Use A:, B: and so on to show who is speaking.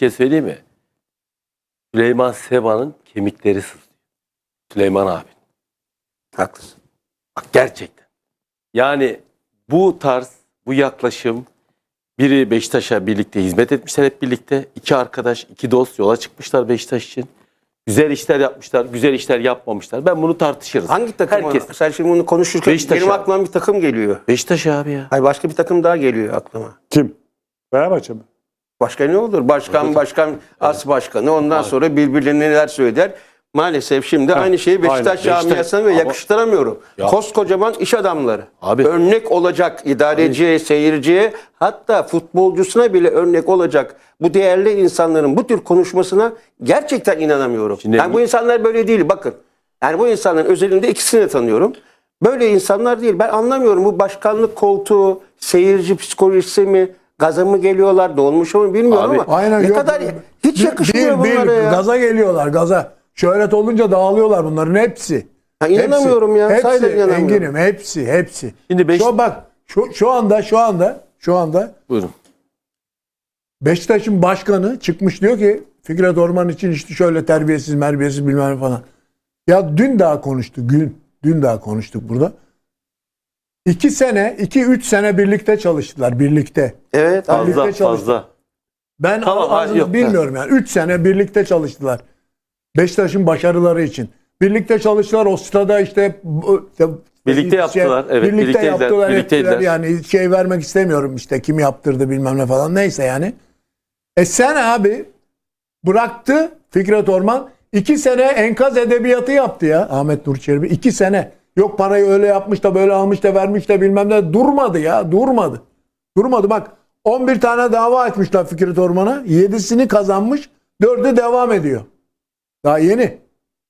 A: şey söyleyeyim mi? Süleyman Seba'nın kemikleri sızlıyor. Süleyman abi.
B: Haklısın.
A: Bak gerçekten. Yani bu tarz, bu yaklaşım, biri Beşiktaş'a birlikte hizmet etmişler hep birlikte. İki arkadaş, iki dost yola çıkmışlar Beşiktaş için. Güzel işler yapmışlar, güzel işler yapmamışlar. Ben bunu tartışırız.
B: Hangi takım?
A: Herkes.
B: Sen şimdi bunu konuşurken
A: Beşiktaş
B: benim
A: abi.
B: aklıma bir takım geliyor.
A: Beşiktaş abi ya.
B: Hayır, başka bir takım daha geliyor aklıma.
C: Kim? Fenerbahçe mi?
B: Başka ne olur? Başkan, as başkanı. Ondan sonra birbirlerine neler söyler. Maalesef şimdi aynı şeyi Beşiktaş
A: aynen.
B: camiasına ve
A: Ama-
B: yakıştıramıyorum.
A: Ya.
B: Koskocaman iş adamları.
A: Abi.
B: Örnek olacak idareciye, seyirciye, hatta futbolcusuna bile örnek olacak bu değerli insanların bu tür konuşmasına gerçekten inanamıyorum.
A: Şimdi-
B: Yani bu insanlar böyle değil, bakın. Yani bu insanların özelinde ikisini de tanıyorum. Böyle insanlar değil. Ben anlamıyorum, bu başkanlık koltuğu, seyirci psikolojisi mi, gaza mı geliyorlar, dolmuş mu bilmiyorum
A: Abi,
B: ama
D: Aynen,
B: ne
D: yok.
B: kadar hiç yakışmıyor bunlara ya.
D: Gaza geliyorlar, gaza. Şöhret olunca dağılıyorlar bunların hepsi.
B: Ha, inanamıyorum ya,
D: Hepsi,
B: sahiden inanamıyorum.
D: Engin'im, hepsi.
A: Şimdi
D: Şu anda
A: Buyurun.
D: Beşiktaş'ın başkanı çıkmış diyor ki Fikret Orman için işte şöyle terbiyesiz bilmem ne falan. Ya dün daha konuştuk, dün daha konuştuk burada. 2-3 sene birlikte çalıştılar, birlikte.
B: Evet abi.
D: Birlikte
A: Fazla,
D: çalıştık.
A: fazla.
D: Ben
A: Tamam,
D: ağzını
A: yok.
D: bilmiyorum yani. 3 sene birlikte çalıştılar. Beşiktaş'ın başarıları için. Birlikte çalıştılar. O stada işte
A: Birlikte yaptılar, evet,
D: Birlikte
A: birlikteydiler,
D: yaptılar.
A: birlikteydiler.
D: Ettiler. Yani şey vermek istemiyorum işte. Kim yaptırdı bilmem ne falan. Neyse yani. Sen abi bıraktı Fikret Orman. 2 sene enkaz edebiyatı yaptı ya Ahmet Nur Çelebi. 2 sene. Yok parayı öyle yapmış da böyle almış da vermiş de bilmem ne. Durmadı ya. Durmadı. Bak 11 tane dava açmışlar Fikret Orman'a. 7'sini kazanmış. 4'ü devam ediyor. Daha yeni.